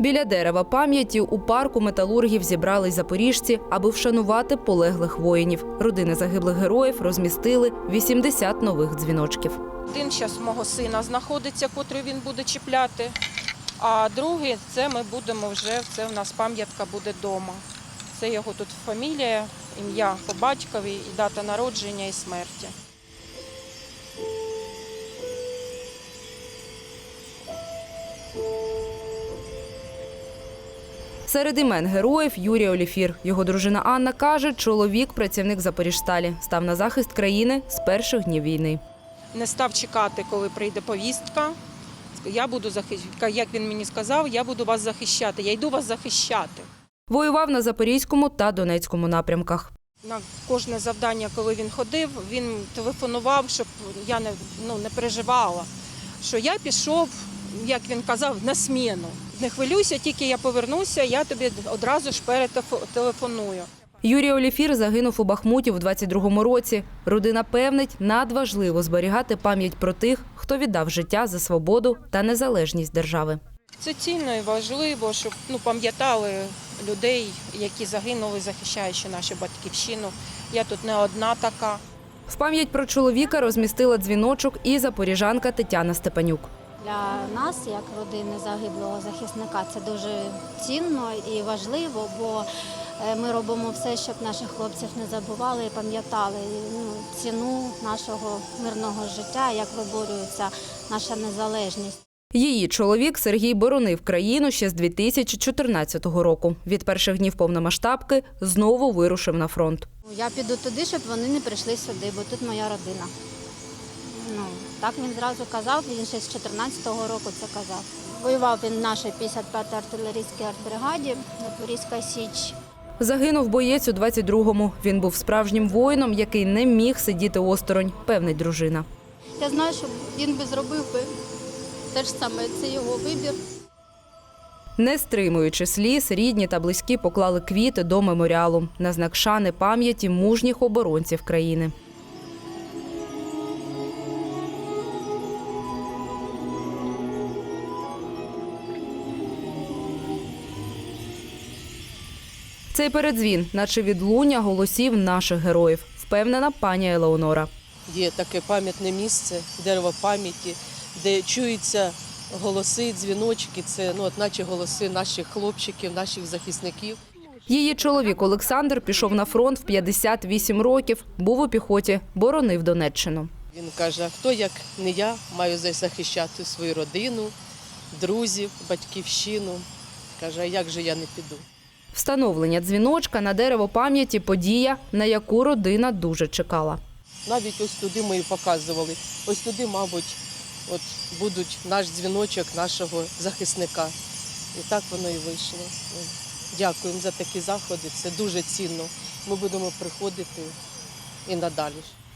Біля дерева пам'яті у парку металургів зібрались запоріжці, аби вшанувати полеглих воїнів. Родини загиблих героїв розмістили 80 нових дзвіночків. Один зараз мого сина знаходиться, котрий він буде чіпляти, а другий це ми будемо вже, це в нас пам'ятка буде вдома. Це його тут фамілія, ім'я по батькові, і дата народження і смерті. Серед імен героїв Юрій Оліфір. Його дружина Анна каже, чоловік – працівник Запоріжсталі. Став на захист країни з перших днів війни. Не став чекати, коли прийде повістка. Я буду захищати, як він мені сказав, я буду вас захищати, я йду вас захищати. Воював на Запорізькому та Донецькому напрямках. На кожне завдання, коли він ходив, він телефонував, щоб я не переживала, що я пішов, як він казав, на зміну. Не хвилюйся, тільки я повернуся, я тобі одразу ж перетелефоную. Юрій Оліфір загинув у Бахмуті в 22-му році. Родина певнить, надважливо зберігати пам'ять про тих, хто віддав життя за свободу та незалежність держави. Це цінно і важливо, щоб пам'ятали людей, які загинули, захищаючи нашу батьківщину. Я тут не одна така. В пам'ять про чоловіка розмістила дзвіночок і запоріжанка Тетяна Степанюк. Для нас, як родини загиблого захисника, це дуже цінно і важливо, бо ми робимо все, щоб наших хлопців не забували і пам'ятали ціну нашого мирного життя, як виборюється наша незалежність. Її чоловік Сергій боронив країну ще з 2014 року. Від перших днів повномасштабки знову вирушив на фронт. Я піду туди, щоб вони не прийшли сюди, бо тут моя родина. Так він зразу казав, він ще з 14-го року це казав. Воював він в нашій 55-й артилерійській артбригаді, Запорізька Січ. Загинув боєць у 22-му. Він був справжнім воїном, який не міг сидіти осторонь, певнить дружина. Я знаю, що він би зробив би те ж саме, це його вибір. Не стримуючи сліз, рідні та близькі поклали квіти до меморіалу на знак шани пам'яті мужніх оборонців країни. Цей передзвін, наче відлуння голосів наших героїв, впевнена пані Елеонора. Є таке пам'ятне місце, дерево пам'яті, де чуються голоси, дзвіночки. Це наче голоси наших хлопчиків, наших захисників. Її чоловік Олександр пішов на фронт в 58 років, був у піхоті, боронив Донеччину. Він каже, а хто, як не я, маю захищати свою родину, друзів, батьківщину. Каже, а як же я не піду? Встановлення дзвіночка на дерево пам'яті – подія, на яку родина дуже чекала. Навіть ось туди ми і показували. Ось туди, мабуть, будуть наш дзвіночок нашого захисника. І так воно і вийшло. Дякуємо за такі заходи, це дуже цінно. Ми будемо приходити і надалі.